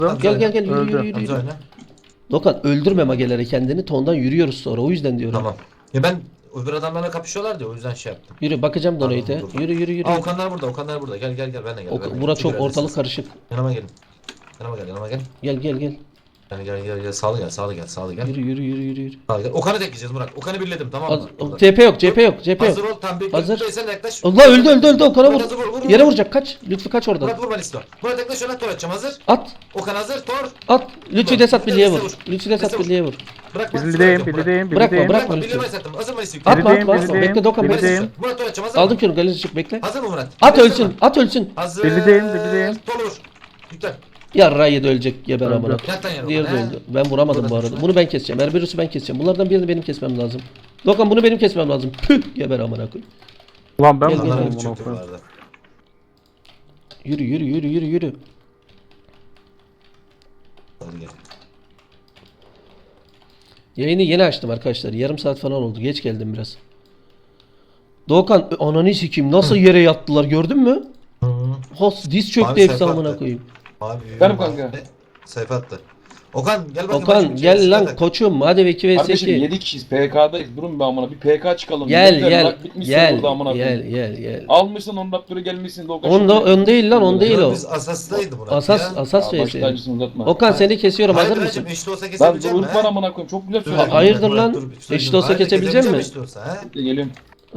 Gel gel gel yürü Öldü. yürü yürü. Hamza oyna. Dokan öldürme mageleri kendini. Tondan yürüyoruz sonra. O yüzden diyorum. Tamam. Ya ben öbür adamlarla kapışıyorlar diye o yüzden şey yaptım. Yürü bakacağım Tamam, donate'e. dur. Yürü yürü yürü. Aa Okanlar burada, Okanlar burada. Gel gel gel ben de gel. Ben de Bura gel. çok İki ortalık neredesiniz? karışık. Yanıma gelin. Yanıma gel, yanıma gel. Gel gel gel. Gel. Sağlı gel, sağlı gel, sağlı gel. Yürü yürü yürü yürü. Sağlı gel. Okan'ı tekleyeceğiz Murat. Okan'ı birledim tamam mı? Burada. CP yok CP yok CP Hazır yok. ol tam bir. Hazır. Sen de yaklaş. Allah öldü Okan'a Murat vur. hazır, vur. Yere vuracak kaç. Lütfü kaç oradan. Murat vur Malislo. Murat yaklaş ona tor atacağım hazır. At. Okan hazır tor. At. Lütfü Vur. Desat Birliğe vur. Vur. Lütfü Desat Desat vur. Birliğe vur. Bırakma. Birliğim, birliğim, Bırakma, birliğim. bırak. Bırakma. Malislo. Birliği Malis attım. Hazır Malislo. Atma Birliğim, atma. birliğim, Bekle Dokan birliğim. bekle. Birliğim. Murat tor atacağım hazır Aldım mı? kürünü galerici çık bekle. Hazır mı Murat? At Hazır ölsün. mı? At ölsün. Hazır. Birliğim. Tolur. Yüklen. Yarrağı da ölecek geber Öldü. amına. Yat lan yanıma. Diğeri de He. öldü. Ben vuramadım bu arada. Bunu ben keseceğim. Erberus'u ben keseceğim. Bunlardan birini benim kesmem lazım. Dokan bunu benim kesmem lazım. Püh geber amına koy. Ulan ben Gel, mi gel, Adamlar vurdum bir bunu? çöktü bu arada. Yürü yürü yürü yürü yürü. Hadi gel. Yayını yeni açtım arkadaşlar. Yarım saat falan oldu. Geç geldim biraz. Doğukan ananı sikeyim nasıl yere yattılar gördün mü? Hos diz çöktü Abi hepsi sayfa amına attı. koyayım. Abi. Benim kanka. Sayfa attı. Okan gel bakayım. Okan bakayım. gel lan Zaten. koçum hadi 2 vs Kardeşim 2. 7 kişiyiz PK'dayız. Durun be amına bir PK çıkalım. Gel Millet gel bak bitmiş gel burada amına gel koyayım. gel. Almışsın 10 dakika gelmişsin Doğukan. Onda ön değil lan on değil Yok, o. Biz asastaydı Murat Asas ya. asas Baş vs. tacısını uzatma. Okan seni kesiyorum Hayır hazır Racim mısın? eşit olsa Lan kesebileceğim mi? ırk var amına koyayım. Çok güzel Dur, söyledin. hayırdır Murat, lan? dur, bir şey Eşit olsa Hayır, kesebilecek kesebileceğim mi? eşit olsa, ha? Geliyorum.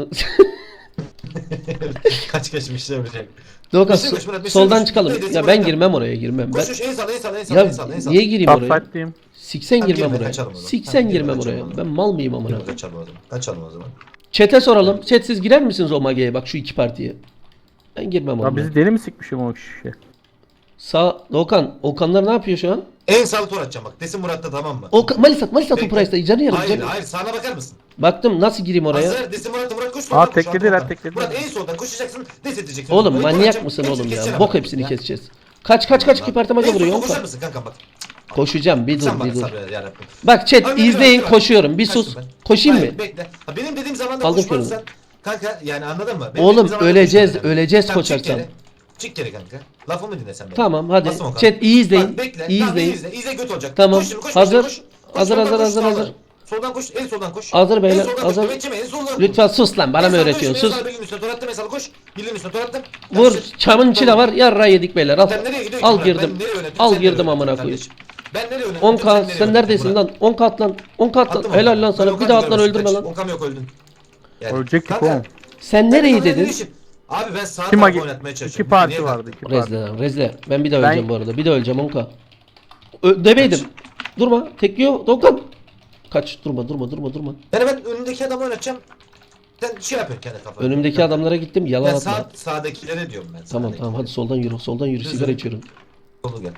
Kaç geçmişler ölecek. Doğukan Meşhur koş, Murat, meşhur soldan koş. çıkalım. Neydi, Ya Murat, ben yap. girmem oraya girmem. Ben Koş en sağ en sağ en sağ ya en sağ en sağ. niye gireyim oraya? Upside'deyim. Siksen Tamam, girmem girme, oraya. kaçalım o zaman. Siksen Tamam, girme, girmem kaçalım o oraya. zaman. Ben mal mıyım amına? Yok, kaçalım o zaman. Kaçalım o zaman. Chat'e soralım. Chat siz girer misiniz o mageye bak şu iki partiye? Ben girmem Lan oraya. bizi deli mi sikmişim o kişi? Sağ Okan. Okanlar ne yapıyor şu an? En sağ tur atacağım bak. Desin Murat'ta tamam mı? Okan Malis at o Bekle. price'da canı yarım. Hayır canı- hayır sağına bakar mısın? Baktım nasıl gireyim oraya? Hazır desin Murat'ta Murat koş. Aa, soldan koş, teklediler, arkadan. teklediler. Murat en soldan koşacaksın. Des edeceksin. Oğlum Orayı manyak vuracağım, mısın hepsini oğlum ya? keseceğim Bok abi. hepsini Ya. keseceğiz. Kaç iki parti maga En vuruyor soldan Okan. koşar mısın kankam bak. Koşacağım bir Sen dur bana bir dur. sabır yarabbim. Bak chat Abi, izleyin bak. koşuyorum. Bir Kaçtım sus. ben. Koşayım mı? Hayır, bekle. Ha, benim dediğim zamanda Aldım koşmazsan kanka yani anladın mı? Benim Oğlum, dediğim zamanda öleceğiz, koşmayacaksın. öleceğiz Tamam, çık koşarsan. geri. Çık geri kanka. Lafımı dinle sen benim. Tamam hadi. Bastım Okan. Chat iyi izleyin. Bak, bekle. İyi Tamam, izleyin. İzle göt olacak. Tamam. Koş şimdi, koş, Hazır. koş. Hazır, soldan hazır, koş, hazır, sağdan. hazır. Soldan koş, en soldan koş. Hazır beyler, En soldan hazır. koş, geçeme, en soldan koş. Lütfen sus lan bana En mı soldan öğretiyorsun? koş, en Sus. soldan bilginin üstüne tor attım, en soldan koş. Bilginin üstüne tor attım. Vur. Kardeşim. Çamın içi de var. Yarra yedik beyler. Al. Sen nereye gidiyorsun Al ki Murat? girdim. Ben nereye yönettim, Al sen nereye girdim amına yönettin koyayım. kardeşim? Ben nereye yönettim? 10k nereye sen yönettin neredesin Murat? lan? 10 kat lan. 10 kat Attım lan. Helal onu. lan Ben sana. Okan'ı Bir daha at lan görmesin, öldürme kaç. lan. Okan yok öldün. Yani, Ölecektik kanka, oğlum. Sen ben nereyi Okan'la dedin? işim. Abi ben sağ İki tarafı magi, oynatmaya çalışıyorum. iki parti Niye vardı. kanka? İki parti. Rezle lan rezle. Ben bir de öleceğim Ben- bu arada. Bir de öleceğim 10k. Demeydim. Durma. Tekliyor. Dokan. Kaç. Durma. Yani ben önündeki adamı oynatacağım. Sen şey yapıyorsun kendi kafana. Önümdeki adamlara gittim. Yalan Ya atma. sağdakilere diyorum ben. Tamam tamam hadi soldan yürü. Soldan yürü. Düz Sigara yürü. içiyorum. Solu gel.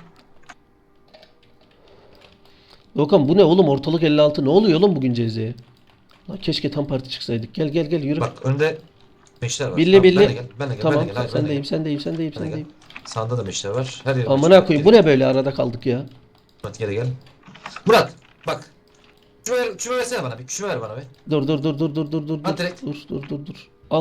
Dokan bu ne oğlum? Ortalık 56. Ne oluyor oğlum bugün CZ'ye? Lan keşke tam parti çıksaydık. Gel yürü. Bak önde meşler var. Billi Tamam, billi. Ben de gel. Ben de gel. Tamam Ben de gel. hayır, ben de sendeyim, gel. sendeyim. Ben de gel. Sendeyim. Sağında da meşler var. Her yere Amına koyayım bu ne böyle arada kaldık ya. Murat geri gel. Murat bak. Küçüme versene bana bir. Küçüme ver bana bir. Dur. At direkt. Dur. Al.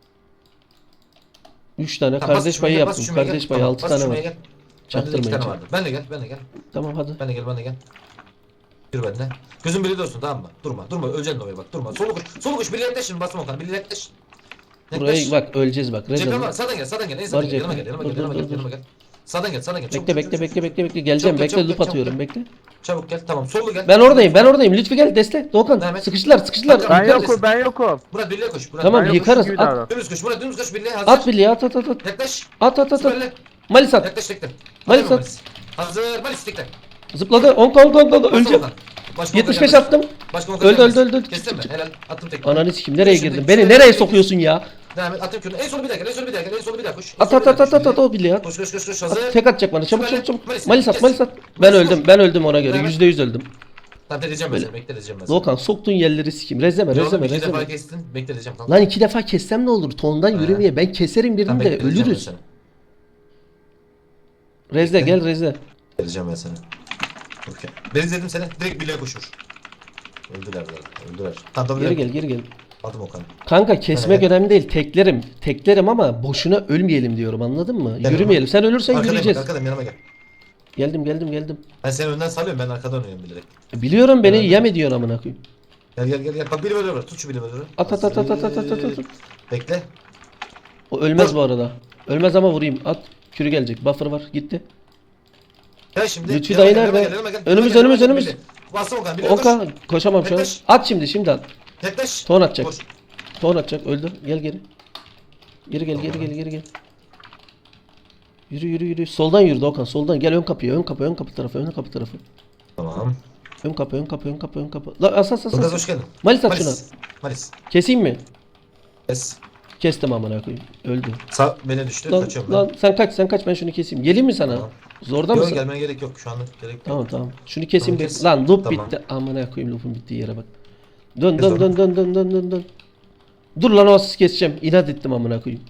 3 tane Tamam, bas kardeş küçüme payı gel, bas yaptım. küçüme Kardeş gel. payı Tamam, 6 bas tane küçüme var. gel. Bende de 2 tane Çaktırmayın. vardı. Ben de gel. Ben de gel. Tamam hadi. Ben de gel. Ben de gel. Yürü benimle. Gözün birliği olsun tamam mı? Durma. Öleceksin oraya bak. Durma. Solu koş. Birliğe yaklaş şimdi. Basma Okan'a. Birliğe yaklaş. Buraya bak öleceğiz bak. Cephe Rezil. var. Sağdan gel. En Var sağdan gel. cephe. Yanıma gel. Dur. Yanıma gel. Sağdan gel. Çabuk, Bekle. Geleceğim. Çabuk, Bekle çabuk, loop çabuk, atıyorum. çabuk. Bekle. Çabuk gel. Tamam. Sollu gel. Ben oradayım. Lütfü gel destek. Doğukan. Devam et. Sıkıştılar. Tamam, Ben Yukarı yokum, ben yokum. Murat birliğe koş. Murat, Tamam Ben yokmuşum yıkarız. gibi At. davran. Dümdüz koş. Murat dümdüz koş. Birliğe hazır. At birliği at. Yaklaş. At. Süperle. Malis at. Yaklaş tekrar. Malis Hazır mı at. Hazır. Malis tekrar. Zıpladı. 10 öleceğim. 75 attım. Öldü. Kestin mi? Helal. Attım tekrar. Ananı sikim nereye Şimdi- girdin? Beni şimdi- nereye sokuyorsun ya? Devam et. Attım kürünü. En solu bir daha gel. En solu bir daha koş. At o birliği at. Koş. Hazır. Tek atacak bana. Çabuk. Malis, Malis kes. at. Malis Ben öldüm ona göre. Devam et. %100 öldüm. Tamam deleyeceğim ben seni. Bekleteceğim ben seni. Doğukan soktun yerleri sikim. Rezleme. İki defa kestin. Bekleteceğim. Tamam. Lan 2 defa kessem ne olur? Tondan yürümeye. Ben keserim Tamam, birini de bekleteceğim ben ölürüz. seni. Rezle gel rezle. Bekleteceğim ben seni. Okey. Ben izledim seni. Direkt birliğe koşur. Öldüler. Tamam Geri gel. Adım Okan. Kanka kesmek önemli değil. Teklerim ama boşuna ölmeyelim diyorum anladın mı? Gel Yürümeyelim. Sen ölürsen Arkadayım, yürüyeceğiz. Arkadayım yanıma gel. Geldim. Ben seni önden salıyorum, ben arkadan oynuyorum bilerek. Biliyorum beni Evet. yem ediyorsun amına koyayım. Gel. Bak biri böyle var. Tut şu biri böyle. At. Bekle. O ölmez Vur. bu arada. Ölmez ama vurayım. At. Kürü gelecek. Buffer var. Gitti. Gel şimdi. Lütfü Yanıma dayı gel, nerede? yanıma gel. Önümüz, Yanıma gel, önümüz. Billy. Bastım Okan. Billy koş. Oka koşamam şu an. Yaklaş. At şimdi at. Yaklaş. Ton atacak. Koş. Ton atacak. Öldü. Gel geri. Geri gel. Yürü. Soldan yürü Doğukan. Soldan. Gel ön kapıya. Ön kapı tarafı. Tamam. Ön kapı. La as. Ilgaz hoş geldin. Malis at şuna. Malis. Keseyim mi? Kes. Kestim amına koyayım. Öldü. Sağ beni düştü. Lan, Kaçıyorum lan sen kaç ben şunu keseyim. Geleyim mi sana? Tamam. Zorda ben. Yok mısın? gelmene gerek yok. Şu anlık gerek yok. Tamam. Şunu keseyim. Tamam, kes. Lan loop Tamam. bitti. Amına koyayım loop'un bittiği yere bak. Dön. Kes onu. Dön. Dur lan o asist keseceğim. İnat ettim amına koyayım.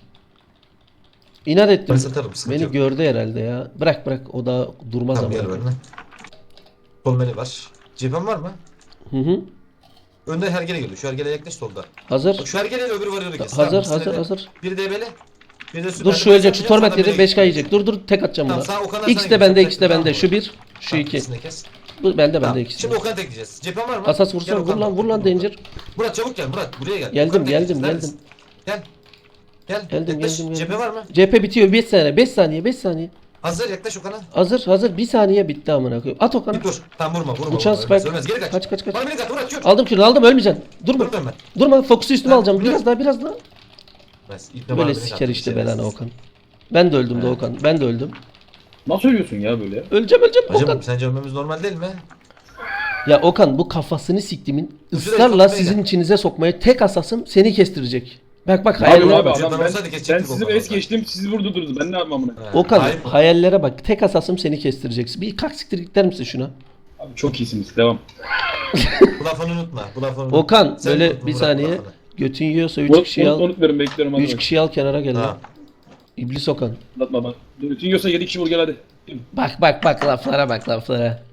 İnat ettim. Ben satarım, sıkıntı Beni yok. gördü herhalde ya. Bırak o da durmaz Tamam amına gel koyayım. benimle. Sol meni var. Cephen var mı? Hı. Önde hergele geliyor. Şu hergele yaklaş solda. Hazır. Bak şu hergeleyle öbürü varıyor kes. Tamam, Hazır. Biri DB'li. Biri de Dur şu ölecek. Şu torment yedi. 5K yiyecek. Dur tek atacağım Tamam, buna. sağ Okan'a X sana de bende. gidecek. Tamam, Şu bir. Şu Tamam, iki. ikisini de kes. Bu bende Tamam. ikisi. Şimdi Okan'a tekleyeceğiz. Cephen var mı? Asas Gel vursun. Okan. Vur lan Danger. Murat çabuk gel Murat. Buraya gel. Geldim. Okan'a tekleyeceğiz. Neredesin? Gel. Geldim. Yaklaş. Cephe var mı? CHP bitiyor 5 saniye. 5 saniye. Hazır yaklaş Okan'a. Hazır. 1 saniye bitti amına koyayım. At Okan'a. Bir dur. Tamam vurma. Uçan Ölmez, spike. Ölmez. Geri kaç. Kaç. Bana beni kat Murat kür. Aldım kürünü ölmeyeceksin. Durma. Durmuyorum ben. Durma. Fokusu üstüme Ben- alacağım. Biraz daha. Ölmez. İpne bana Böyle beni siker kat. işte belanı Okan. Ben de öldüm He. Doğukan. Ben de öldüm. Nasıl ölüyorsun ya böyle? Öleceğim Okan. Hacım sence ölmemiz normal değil mi? Ya Okan bu kafasını siktimin Şuraya ısrarla sokmaya sizin gel. içinize sokmaya tek asasım seni kestirecek. Bak Abi hayallere abi bak. Hocam adam ben ben, olsaydı ben kesecektik sizi Okan'ı. es geçtim siz vurdurdunuz ben ne yapmam amına. He. Okan Hayır. hayallere bak. Tek asasım seni kestireceksin. Bir kalk siktir git der misin şuna? Abi çok iyisiniz devam. Bu lafını unutma. Bu lafını unutma. Okan Sen böyle unutma bir Murat, bu saniye. lafını. Götün yiyorsa 3 kişi al. Unut verin bekliyorum hadi. 3 kişi al kenara gel. Ha. İblis Okan. Anlatma bak. Bütün yiyorsa 7 kişi vur gel hadi. Bak laflara.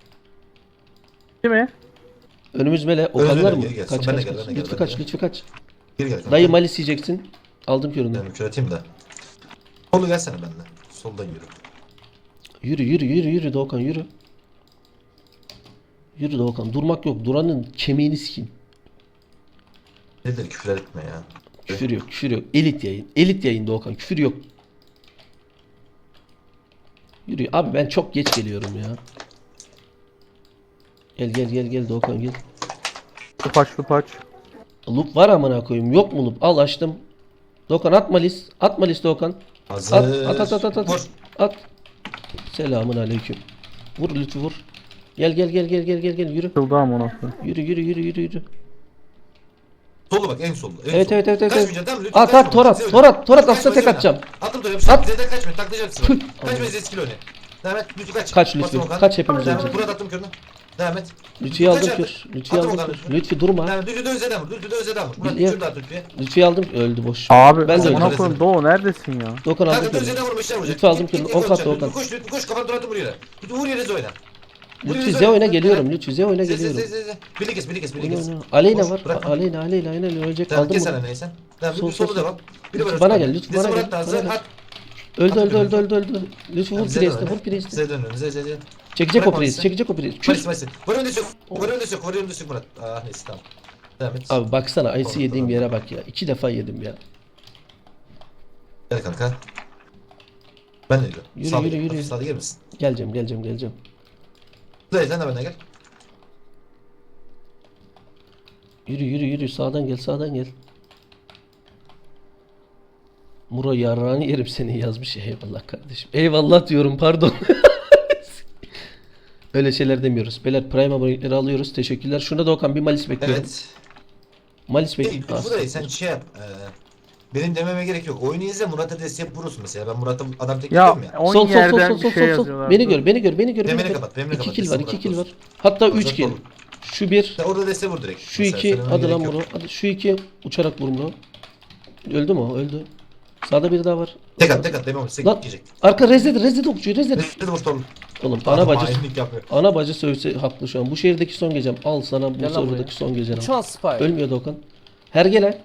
Değil mi? Önümüz mele. Okanlar mı? geri gel. Kaç Ben de kaç. gel, ben de gel, Lütfü ben de kaç. gel. Lütfü kaç. Geri gel. kanka. Dayı malis yiyeceksin. Aldım körünü. Yani küreteyim de. Solu gelsene benimle. Soldan yürü. Yürü Doğukan yürü. Yürü Doğukan. Durmak yok. Duranın kemiğini sikeyim. Nedir küfür etme ya. Küfür yok. Elit yayın Doğukan. Küfür yok. Yürü. Abi ben çok geç geliyorum ya. Gel Doğukan gel. Lupaç. Loop var amına koyayım. Yok mu loop? Al açtım. Doğukan at malis Doğukan. Hazır. At. Vur. At. Selamun aleyküm. Vur lütfü vur. Gel yürü. Kıldım onu. Yürü. Solu bak en solda. En Evet. solda. Kaçmayacaksın tamam mı? Lütfen At kaçma. Torat. Bize Torat oyna. aslında tek Kaçma, atacağım. Attım Torat. At. Z'den kaçma. Taklayacaksın. Tüh. Kaçma eskili oyna. Devam et. Lütfü kaç. Kaç Lütfü, Bastım Okan. kaç hepimiz Devam et. önce. Murat attım körünü. Devam et. Lütfü'yü aldım Kaç kür. attın? Lütfü'yü Attım aldım Okan. kür. Lütfü durma. Devam et. Lütfü de Özeden vur. Lütfü de Özeden vur. Murat Biliyorum. şurada at Lütfü'ye. Lütfü'yü aldım öldü boş. Abi Ben de amına öldüm. koyayım Doğu neredesin ya? Doğukan aldım Kanka kür. Özeden vurmuşlar vuracak. Lütfü aldım Git, git, kür. git, Ok at vuracak. Doğukan. Lütfü koş kafanı Torat'ı vur yere. Lütfü vur yere Zoyla. Lütfü Zeo'yla geliyorum. Lütfü Zeo'yla Ze. geliyorum. Birlik kes. Oyna. Aleyna Boş, var. bırakma. Aleyna ölecek. Devam Aldım kes bunu. sana neysen. Devam Sol, et. Solu sol, devam. Biri Lütfü var bana Özkan. gel, Lütfü Desi bana Murat da gel, hazır. bana At. Öldü. Lütfü vur Bize Priest'e dön vur öne. Priest'e. Bize dön önüne. Ze. Çekecek o Bırakma Priest. bizi. Çekecek o Priest. Malis Kür. Malis. Var önde sök. Var önde sök Murat. Ah neyse tamam. Devam et. Abi baksana Ice'i Orada, yediğim orada. yere bak ya. 2 defa yedim ya. Gel kanka. Ben de yürü. Yürü, Sağda yürü, gel. yürü. Hafif sağda gelmesin. Geleceğim. Dayı sen de bana gel. Yürü. Sağdan gel. Muro yarrağını yerim seni yazmış. Eyvallah kardeşim. Eyvallah diyorum pardon. Öyle şeyler demiyoruz. Beyler Prime abonelikleri alıyoruz. Teşekkürler. Şuna da Okan bir malis bekliyorum. Evet. Malis Hey, bekliyorum. bu dayı sen şey yap. Benim dememe gerek yok. Oyunu izle Murat'a destek vurursun mesela. Ben Murat'a adam tek Ya yapıyorum ya. 10 Sol. yerden bir şey yazıyorlar. Beni gör. Demeni kapat, demeni 2 kapat. kill var, Destek 2 kill bırak var. Hatta Hazır 3 kill. ol. Şu 1, Sen orada destek vur direkt. şu Mesela 2. söylememe Hadi lan gerek yok. Muro. Hadi şu 2 uçarak vur Muro. Öldü mü o? Öldü. Sağda biri daha var. Tek at demem. Destek Lan gidecek. arka rezet okçuyu rezet. Destek vur oğlum. Oğlum Adam hainlik yapıyor. ana bacı sövse haklı şu an. Bu şehirdeki son gecem. Al sana bu Gel lan serverdaki buraya. son gecem. Uçan spy. Ölmüyor Dokan. Hergele.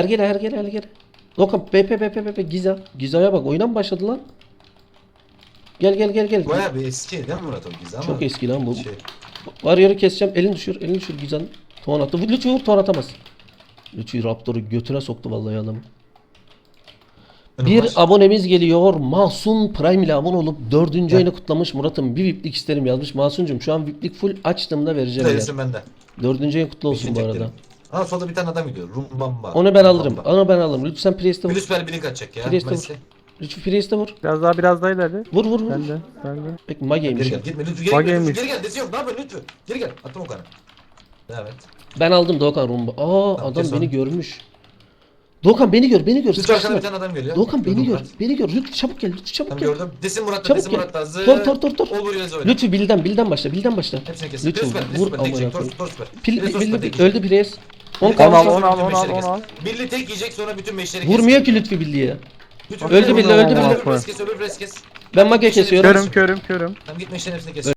Dokan BP Giza. Giza'ya bak oyuna mı başladı lan? Gel gel gel gel. Bayağı bir eski değil mi Murat o Giza ama? Çok eski lan bu. Şey, Var yarı keseceğim. Elini düşür. Elini düşür Gizan. Ton attı. Lütfü vur, ton atamaz. Lütfü Raptor'u götüne soktu vallahi adam. önüm Bir var. abonemiz geliyor. Mahsun Prime ile abone olup 4. ayını kutlamış. Murat'ım bir VIP'lik isterim yazmış. Mahsun'cum şu an VIP'lik full açtığımda vereceğim ya. Değilsin bende. 4. ayın kutlu olsun İşini bu arada. teklerim. Aa solda bir tane adam gidiyor. Rumbamba. Onu ben alırım. Rumbamba. Onu ben alırım. Lütfen Priest'e vur. Virüs bir link atacak ya. Priest'e Messi. vur. Lütfü Priest'e vur. Biraz daha ileride. Vur vur vur. Ben de. Peki Geri Mage'ymiş. gel. Gitme lütfü. Geri gel. Mageymiş. Lütfü, geri gel. Desi yok. Ne yapıyorsun lütfü? Geri gel. Attım o kanı. Evet. Ben aldım Doğukan Rumba. Aa Tamam, adam kes beni onu. görmüş. Doğukan beni gör. Beni gör. Lütfü arkadan Sıkıştırma. bir tane adam geliyor. Doğukan beni Gördüm gör. Murat. Beni gör. Lütfü çabuk gel. Lütfü çabuk Tamam gel. gördüm. Desin Murat'ta. Çabuk Desin gel. Murat'ta. Hazır. Tor. Ol buraya oyna. Lütfü bilden başla. Bilden başla. Hepsini kes. Lütfü Süper. vur Süper. Tek amına çek. koyayım. Tor süper. Pil, Tor süper, tek öldü yiyecek. Priest. 10 Onu kaldı. al, onu al, bütün onu al, meşleri onu al. kes. Billy tek yiyecek sonra bütün meşleri Vurmuyor ki Lütfü bildiği. Lütfü Öldü Billy, öldü Billy. Öbür pres kes. Ben Mage kesiyorum. Körüm. Tamam git meşlerin hepsini kes.